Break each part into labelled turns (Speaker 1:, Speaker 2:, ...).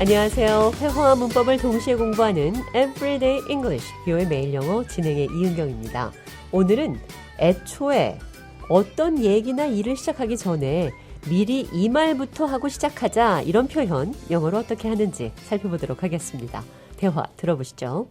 Speaker 1: 안녕하세요. 회화와 문법을 동시에 공부하는 Everyday English, 뷰의 매일 영어 진행의 이은경입니다. 오늘은 애초에 어떤 얘기나 일을 시작하기 전에 미리 이 말부터 하고 시작하자 이런 표현 영어로 어떻게 하는지 살펴보도록 하겠습니다. 대화 들어보시죠.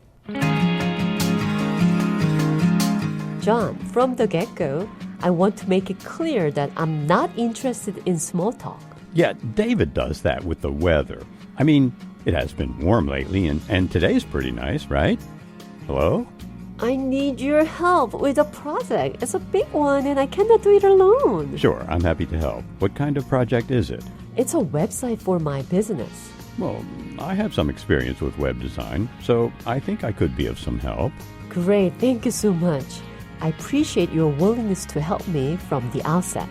Speaker 1: John, from the get-go, I want to make it clear that I'm not interested in small talk.
Speaker 2: Yeah, David does that with the weather. I mean, it has been warm lately, and today's pretty nice, right? Hello?
Speaker 1: I need your help with a project. It's a big one and I cannot do it alone.
Speaker 2: Sure, I'm happy to help. What kind of project is it?
Speaker 1: It's a website for my business.
Speaker 2: Well, I have some experience with web design, so I think I could be of some help.
Speaker 1: Great, thank you so much. I appreciate your willingness to help me from the outset.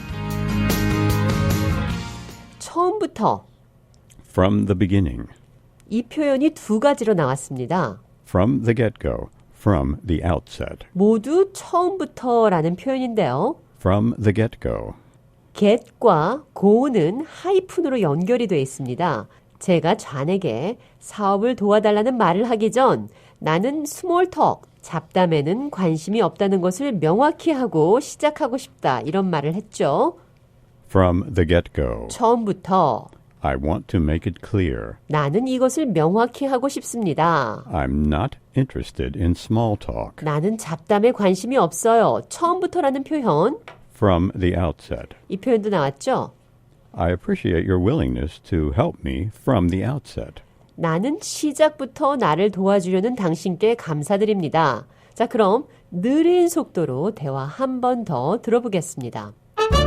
Speaker 1: 처음부터
Speaker 2: From the beginning.
Speaker 1: 이 표현이 두 가지로 나왔습니다.
Speaker 2: From the get-go. From the outset.
Speaker 1: 모두 처음부터라는 표현인데요.
Speaker 2: From the get-go.
Speaker 1: get과 go는 하이픈으로 연결이 되어 있습니다. 제가 좌에게 사업을 도와달라는 말을 하기 전 나는 스몰 톡, 잡담에는 관심이 없다는 것을 명확히 하고 시작하고 싶다. 이런 말을 했죠.
Speaker 2: From the get-go.
Speaker 1: 처음부터
Speaker 2: I want to make it clear.
Speaker 1: 나는 이것을 명확히 하고 싶습니다.
Speaker 2: I'm not interested in small talk.
Speaker 1: 나는 잡담에 관심이 없어요. 처음부터라는 표현.
Speaker 2: From the outset.
Speaker 1: 이 표현도 나왔죠?
Speaker 2: I appreciate your willingness to help me from the outset.
Speaker 1: 나는 시작부터 나를 도와주려는 당신께 감사드립니다. 자, 그럼 느린 속도로 대화 한 번 더 들어보겠습니다.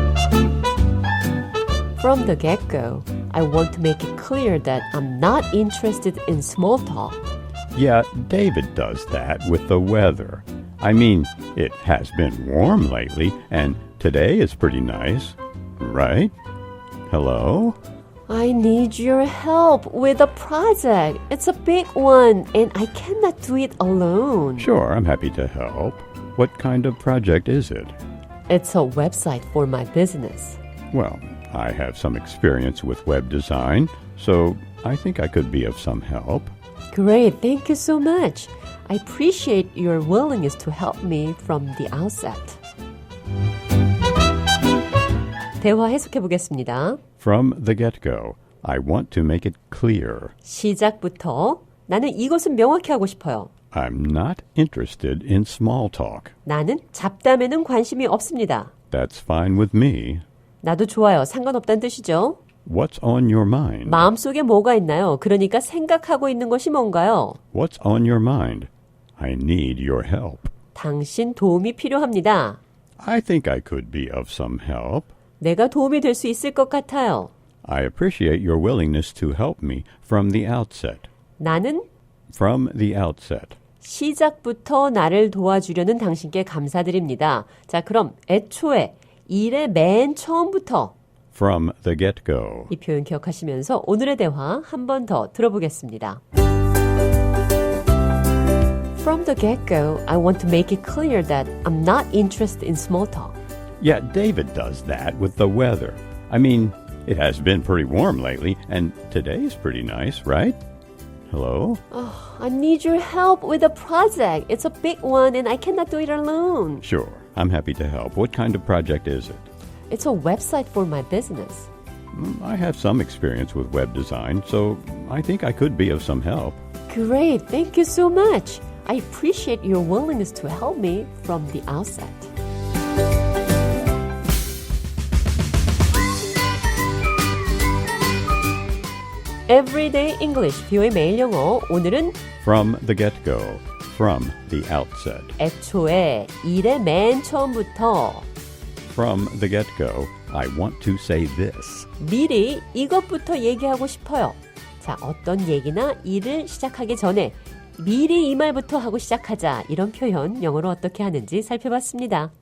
Speaker 1: From the get-go, I want to make it clear that I'm not interested in small talk.
Speaker 2: Yeah, David does that with the weather. I mean, it has been warm lately, and today is pretty nice, right? Hello?
Speaker 1: I need your help with a project. It's a big one, and I cannot do it alone.
Speaker 2: Sure, I'm happy to help. What kind of project is it?
Speaker 1: It's a website for my business.
Speaker 2: Well, I have some experience with web design, so I think I could be of some help.
Speaker 1: Great, thank you so much. I appreciate your willingness to help me from the outset. 대화 해석해 보겠습니다.
Speaker 2: From the get-go, I want to make it clear.
Speaker 1: 시작부터 나는 이것은 명확히 하고 싶어요.
Speaker 2: I'm not interested in small talk.
Speaker 1: 나는 잡담에는 관심이 없습니다.
Speaker 2: That's fine with me.
Speaker 1: 나도 좋아요. 상관없다는 뜻이죠.
Speaker 2: What's on your mind?
Speaker 1: 마음속에 뭐가 있나요? 그러니까 생각하고 있는 것이 뭔가요?
Speaker 2: What's on your mind? I need your help.
Speaker 1: 당신 도움이 필요합니다.
Speaker 2: I think I could be of some help.
Speaker 1: 내가 도움이 될 수 있을 것 같아요.
Speaker 2: I appreciate your willingness to help me from the outset.
Speaker 1: 나는
Speaker 2: From the outset.
Speaker 1: 시작부터 나를 도와주려는 당신께 감사드립니다. 자, 그럼 애초에 일의 맨 처음부터
Speaker 2: From the get-go.
Speaker 1: 이 표현 기억하시면서 오늘의 대화 한 번 더 들어보겠습니다. From the get-go, I want to make it clear that I'm not interested in small talk.
Speaker 2: Yeah, David does that with the weather. I mean, it has been pretty warm lately, and today's pretty nice, right? Hello?
Speaker 1: I need your help with a project. It's a big one and I cannot do it alone.
Speaker 2: Sure, I'm happy to help. What kind of project is it?
Speaker 1: It's a website for my business.
Speaker 2: I have some experience with web design, so I think I could be of some help.
Speaker 1: Great, thank you so much. I appreciate your willingness to help me from the outset. Everyday English, 뷰의 매일 영어. 오늘은
Speaker 2: From the get-go. From the outset.
Speaker 1: 애초에 일의 맨 처음부터
Speaker 2: From the get-go, I want to say this.
Speaker 1: 미리 이것부터 얘기하고 싶어요. 자, 어떤 얘기나 일을 시작하기 전에 미리 이 말부터 하고 시작하자. 이런 표현 영어로 어떻게 하는지 살펴봤습니다.